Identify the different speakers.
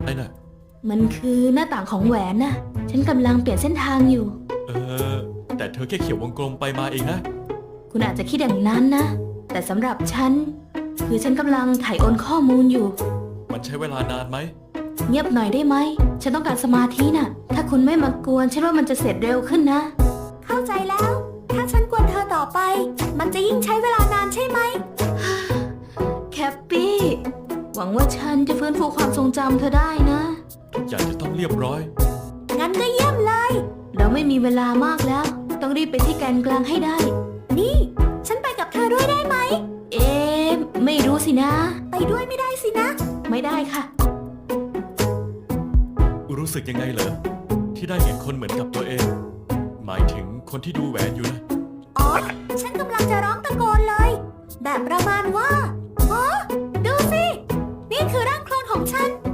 Speaker 1: ไอ้น่ะ
Speaker 2: มันคือหน้าต่างของแหวนน่ะฉันกำลังเปลี่ยนเส้นทางอยู่
Speaker 1: เออแต่เธอแค่เขียววงกลมไปมาเองนะ
Speaker 2: คุณอาจจะคิดอย่างนั้นนะ แต่สำหรับฉันคือฉันกำลังถ่ายโอนข้อมูลอยู่
Speaker 1: มันใช้เวลานานไหม
Speaker 2: เงียบหน่อยได้ไหมฉันต้องการสมาธิน่ะถ้าคุณไม่มากวนฉันว่ามันจะเสร็จเร็วขึ้นนะ
Speaker 3: เข้าใจแล้ว ถ้าฉันกวนเธอต่อไป มันจะยิ่งใช้เวลานานใช่ไหม
Speaker 2: แคปปี้ หวังว่าฉันจะฟื้นฟูความทรงจำเธอได้นะ
Speaker 1: ทุกอย่างจะต้องเรียบร้อย
Speaker 3: งั้นก็เยี่ยมเลย
Speaker 2: เราไม่มีเวลามากแล้ว ต้องรีบไปที่แกนกลางให้ได้
Speaker 3: นี่ ฉันไปกับเธอด้วยได้ไหม
Speaker 2: เอ๊ะไม่รู้สินะ
Speaker 3: ไปด้วยไม่ได้สินะ
Speaker 2: ไม่ได้ค่ะ
Speaker 1: รู้สึกยังไงเหรอที่ได้เห็นคนเหมือนกับตัวเอง หมายถึงคนที่ดูแหวนอยู่นะ
Speaker 3: อ๋อ ฉันกำลังจะร้องตะโกนเลย แบบประมาณว่าอ๋อดูสิ นี่คือร่างโคลนของฉัน